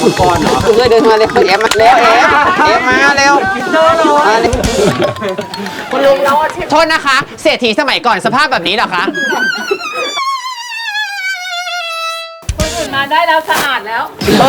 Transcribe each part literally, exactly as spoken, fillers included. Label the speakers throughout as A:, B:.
A: ขุนกรเหรอ
B: เคยเดินมาเร็วเอฟมาเร็วเอฟเอฟมาเร็วมาเร็วคุณลุงโทษนะคะเศรษฐีสมัยก่อนสภาพแบบนี้เหรอคะ
C: คนอื่นมาได้แล้วสะอาดแล้ว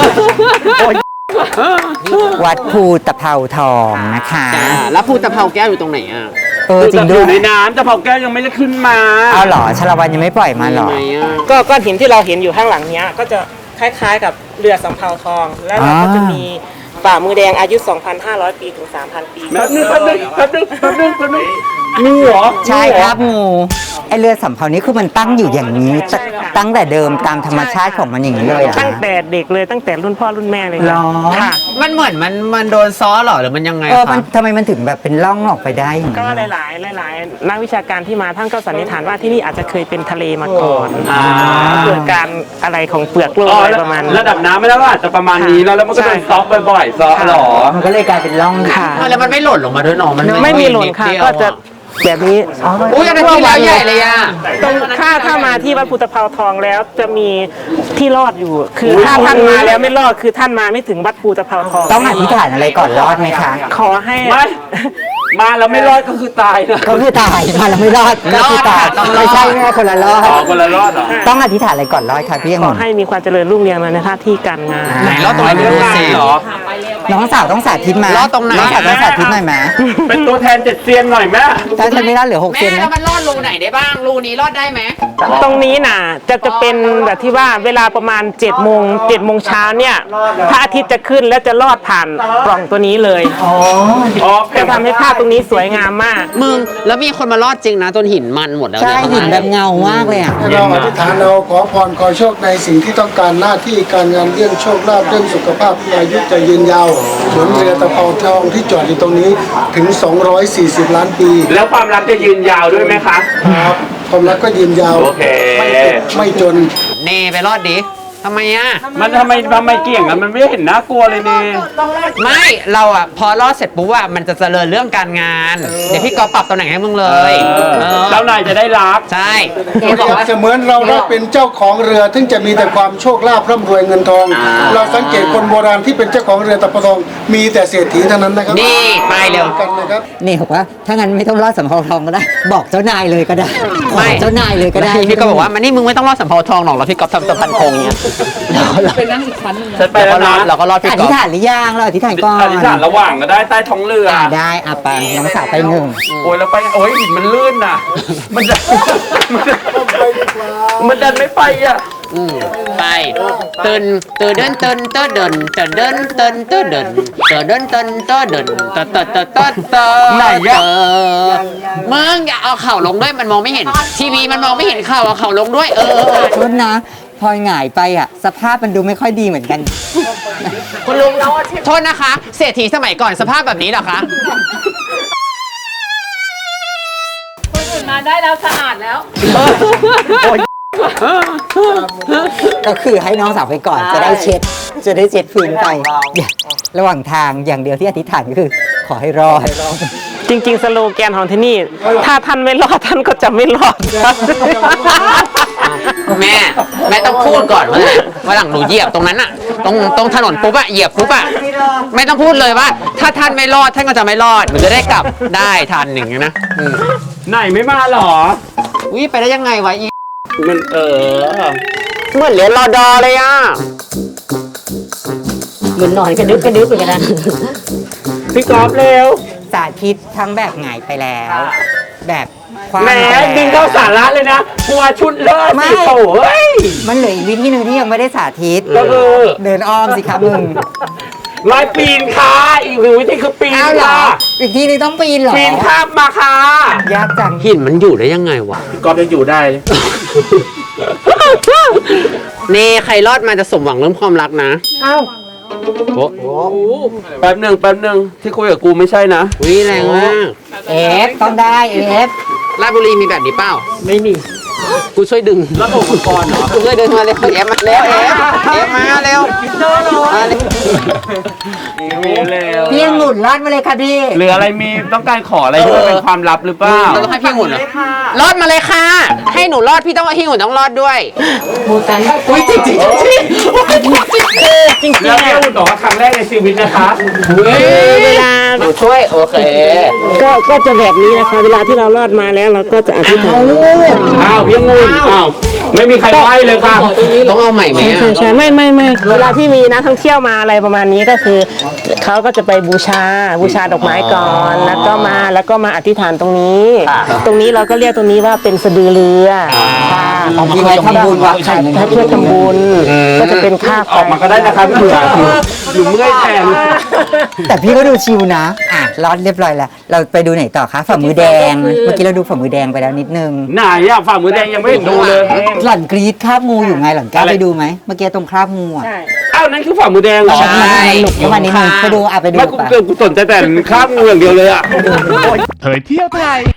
D: วัดภูตะเภาทองนะคะ
B: แล้วภูตะเภาแก้วอยู่ตรงไหนอ่ะ
D: เออจริงด้
A: อ
D: วย
A: ยู่ในน้ำตะเภาแก้วยังไม่ได้ขึ้นมา
D: เอาเหรอชลวันยังไม่ปล่อยมาเหรอ
E: ก็ก้อนหินที่เราเห็นอยู่ข้างหลังเนี้ยก็จะคล้ายๆกับเรือสำเภาทอง แล้วเราก็จะมีป่ามือแดงอายุ สองพันห้าร้อย ปีถึง สามพัน ปี
A: แป๊บนึงแป๊บนึงแป๊บนึงแป๊บนึงแป๊บนึงงูเหรอ
D: ใช่ครับงูไอเรือสำเภานี้คือมันตั้งอยู่อย่างนี้ตตั้งแต่เดิมตามธรรมชาติของมันอย่างนี้เลยอ่ะ
E: ตั้งแต่เด็กเลยตั้งแต่รุ่นพ่อรุ่นแม่เลย
D: หรอ
E: ค่ะ
B: มันเหมือนมันมันโดนซ้อหรอหรือมันยังไง
D: เออ
B: คะ
D: มันทำไมมันถึงแบบเป็นร่องออกไปได้อย่าง
E: ก็
D: นี้
E: หลายๆหลายๆนักวิชาการที่มาท่านก็สันนิษฐานว่าที่นี่อาจจะเคยเป็นทะเลมาก่อนเกิดการอะไรของเปลือกโลกอะไรประมาณนี้
A: ระดับน้ำไม่ได้ว่าอาจจะประมาณนี้แล้วแล้วมันก็โดนซอกบ่อยๆซอกหรอ
D: มันก็เลยกลายเป็นร่อง
E: ค่ะ
B: แล้วมันไม่หล่นลงมาด้วยเนาะมัน
E: ไม่มีหล่นค่ะก็จะแบบนี้
B: อุ้ยอันนั้นที่แล้วใหญ่เลยอ่ะ
E: ตรงถ้าถ้ามาที่วัดภูตะเภาทองแล้วจะมีที่รอดอยู่ คือถ้าท่านมาแล้วไม่รอดคือท่านมาไม่ถึงวัดภูตะเภาทอง
D: ต้องอธิษฐานอะไรก่อนรอดไหมคะ
E: ขอให้
A: ไม่มาแล้วไม่รอดก็คือตายนะ
D: ก็คือตายมาแล้วไม่รอดก็คือตายไม่ใช่แม่คนละรอด
A: อ๋อคนละรอดเหรอ
D: ต้องอธิษฐานอะไรก่อนรอดค่ะพี่ยัง
E: ขอให้มีความเจริญรุ่งเรืองในหน้าที่การงาน
B: ไหนรอดตรงไหนดูสิ
A: เหรอ
D: น้องสาวต้องสาธิตมาร
B: อดตรงไหน
D: น้องสาวต้องสาธิตหน่อยไหม
A: เป็นตัวแทนเจ็ดเซียนหน่อยแม่
D: ถ้าฉันไม่รอดเหลือหกเซ
B: แม่
D: น
B: แล้
D: นะ
B: วมันรอดรูไหนได้บ้างรูนี้รอดได้ไหม
E: ตรงนี้น่ะจะจะเป็นแบบที่ว่าเวลาประมาณ7จ็ดโมงเจ็ดโมงเช้าเนี่ยพระอาทิตย์จะขึ้นแล้วจะลอดผ่านปล่องตัวนี้เลย
A: อ๋อ
E: จะทำให้ภาพตรงนี้สวยงามมาก
B: มึงแล้วมีคนมารอดจริงนะจนหินมันหมดแล้ว
D: ใช่
B: เนี่ย
D: หินแบบเงามากเลยอ่ะ
F: ให้เราอธิษฐานเอาขอพรขอโชคในสิ่งที่ต้องการหน้าที่การงานเรื่องโชคลาภเรื่องสุขภาพอายุจะยืนยาวเหมือนเรือตะเภาทองที่จอดอยู่ตรงนี้ถึงสองร้อยสี่สิบล้านปี
A: แล้วความรักจะยืนยาวด้วยไหมคะ
F: ครับความรักก็ยืนยาว
A: โอเค
F: ไม่เจ็บไม่จน
B: เนไปรอดดิทำไมอ่ะ
A: มันทำไมทำไมเกี่ยงกันมันไม่เห็นน่ากลัวเลยนี่
B: ไม่เราอ่ะพอรอดเสร็จปุ๊บอ่ะมันจะเจริญเรื่องการงาน เดี๋ยวพี่กอฟปรับตำแหน่งให้มึงเลย เออ
A: เจ้านายจะได้รัก
B: ใช่
F: เปรียบเสมือนเราได้เป็นเจ้าของเรือซึ่งจะมีแต่ความโชคลาภร่ำรวยเงินทอง เราสังเกตคนโบราณที่เป็นเจ้าของเรือตะเภาทองมีแต่เศรษฐีเท่านั้นนะครับ
B: นี่ไปเร็ว
F: กันนะครับ
D: นี่บอกว่าถ้างั้นไม่ต้องรอดสำเภาทองก็ได้ บอกเจ้านายเลยก็ได้ขอ
B: ไม่
D: เจ้านายเลยก็ได้
B: พี่ก็บอกว่ามันนี่มึงไม่ต้องรอดสำเภาทองหรอกแล้วพี่กอฟทำสะพานโค้งเนี้ย
A: ฉันไป
B: เรา
A: แล้
B: ก็
A: ว
B: รอ
A: นะ
B: ดเราก็รอดพี่
D: อก
B: อ
D: ธิ
B: ฟ
D: ษฐานหรือยังเราอธิษฐานก่อน
A: อธิษฐานระหว่างก็ได้ใต้ท้องเรือ
D: อ่าได้อ่ะไปน้องสาวไปหนึ่ง
A: โอ้ยแล้วไปโอ้ยหินมันลื่นน่ะ มันจะมันจะมันดันไม่ไปอ่ะ
B: อืมไปตื่นตื่นเดินตื่นเต้นเดินตื่นเดินตื่นเต้นเดินตื่นเดินตื่นเต้นเดินตื่นตื่นตื่นตื่นตื่น
A: ไหนอะ
B: มึงอย่าเอาเข่าลงด้วยมันมองไม่เห็น ทีวีมันมองไม่เห็นเข่าเอาเข่าลงด้วยเออเออเออ
D: โทษนะพลอยหงายไปอ่ะ สภาพมันดูไม่ค่อยดีเหมือนกัน
B: คุณลุงโทษนะคะเศรษฐีสมัยก่อนสภาพแบบนี้เหรอคะ
C: คนอื่นมาได้แล้วสะอาดแล้ว
D: ก็คือให้น้องสาวไปก่อนจะได้เช็ด จะได้เช็ดพื้นไปอย่าระหว่างทางอย่างเดียวที่อธิษฐานก็คือ ขอให้รอด
E: จริง ๆ สโลแกนของที่นี่ ถ้าท่านไม่รอดท่านก็จะไม่รอดครับ
B: แม่แม่ต้องพูดก่อนว่าว่าหลังหนูเหยียบตรงนั้นอะตรงตรงถนนปุ๊บอะเหยียบปุ๊บอะไม่ต้องพูดเลยว่า ถ้าท่านไม่รอดท่านก็จะไม่รอดหนูจะได้กลับได้ทันอย่างเงี้ยนะอืม
A: ไหนไม่มาหรอ
B: อุ้ยไปได้ยังไงวะอี
A: มันเออ
B: เหมือนเรียนรอดอเลยอะ
G: เหมือนนอนกระดึบกระดึบไปกันนะ
A: พี่กอล์ฟเร็ว
D: สาธิตทั้งแบบหงายไปแล้ว แบบคว้าง
A: แหม
D: ไปแล้ว
A: ดึงเข้าสาระเลยนะกลัวชุดเลิศ
D: ไม่
A: สิโอ้ย
D: มันเหลืออีกวิธีหนึ่งที่ยังไม่ได้สาธิต
A: ก็คือ
D: เดินอ้อมสิครับมึง
A: ลายปีนค่ะอีกหนึ่งวิธีคือปีน
D: อ้าวเหรอ
A: ค่ะ
D: อีกทีนึงต้องปีนเหรอ
A: ปีนข้ามมาค่ะ
D: ยากจัง
B: หินมันอยู่ได้ยังไงวะ
A: พี่กอล์ฟจะอยู่ได้
B: เน่ใครรอดมาจะสมหวังเรื่องความรักนะ
D: อ้าว
B: โอ้โห
A: แป๊บหนึ่งแป๊บหนึ่งที่คุยกับกูไม่ใช่นะ
B: วิแรงมาก
D: เอฟต้องได้เอฟ
B: ราชบุรีมีแบบนี้เปล่า
E: ไม่มี
B: ฮกูช่วยดึง
A: แล้วอุปกรณ์เหรอ
B: กูช่วยดึงมาเร็วเอฟมาเร็วเอฟเอฟมาเร็วมาเร็ว
A: มีเร็ว
D: พี่องุ่นรอดมาเลยค่ะพี่
A: หรืออะไรมีต้องการขออะไรที่มันเป็นความลับหรือเปล่า
B: เราต้องให้พี่องุ่นเหรอรอดมาเลยค่ะ ให้หนูรอดพี่ต้องให้พี่องุ่นต้องรอดด้วย
A: อุ้ยจริงจริงจริงจริงแล้วพี่อุ่นบอกว่าครั้งแรกในชีวิตนะคะ
E: เวลา
B: หนูช่วยโอเค
E: ก็ก็จะแบบนี้นะคะ เวลาที่เรารอดมาแล้วเราก็จะอธิษฐาน
A: อ้าวพี่งูอ้าวไม่มีใครไหวเลยค่ะ
B: ต้องเอาใหม่ไหม
E: ใช่
B: อะ
E: ใช่ไม่ไม่ไม่เวลาที่มีนักท่องเที่ยวมาอะไรประมาณนี้ก็คือเขาก็จะไปบูชาบูชาดอกไม้ก่อนแล้วก็มาแล้วก็มาอธิษฐานตรงนี้ ตรงนี้เราก็เรียกตรงนี้ว่าเป็นสะดือเรือค่ะ
D: เอาพี่ไว้ทำบุญวะ
E: ถ้าถ้าเพื่อทำบุญก็จะเป็นค่าไฟ
A: ออกมาก็ได้นะคะพี่เผือกหนูเมื่อยแทน
D: แต่พี่ก็ดูชิวนะ อ่ะรอดเรียบร้อยแล้ว เราไปดูไหนต่อคะฝ่ามือแดง เมื่อกี้เราดูฝ่ามือแดงไปแล้วนิดนึง
A: ไหนอะฝ่ามือแดงยังไม่เห็นดูเลย
D: หล่อนกรีดคราบงูอยู่ไงหล่อนกล้าไปดูไหมเมื่อกี้ตรงคราบงูอ่ะ
E: ใช่
A: อ้าวนั่นคือฝ่ามือแดงเหรอ
B: ใช่
D: หนุกมานิดนึงไปดูอ่ะไปดู
A: ไม่กู
D: ไป
A: กูสนใจแต่ข้ามงูอย่างเดียวเลยอะ
H: เผยเที่ยวไทย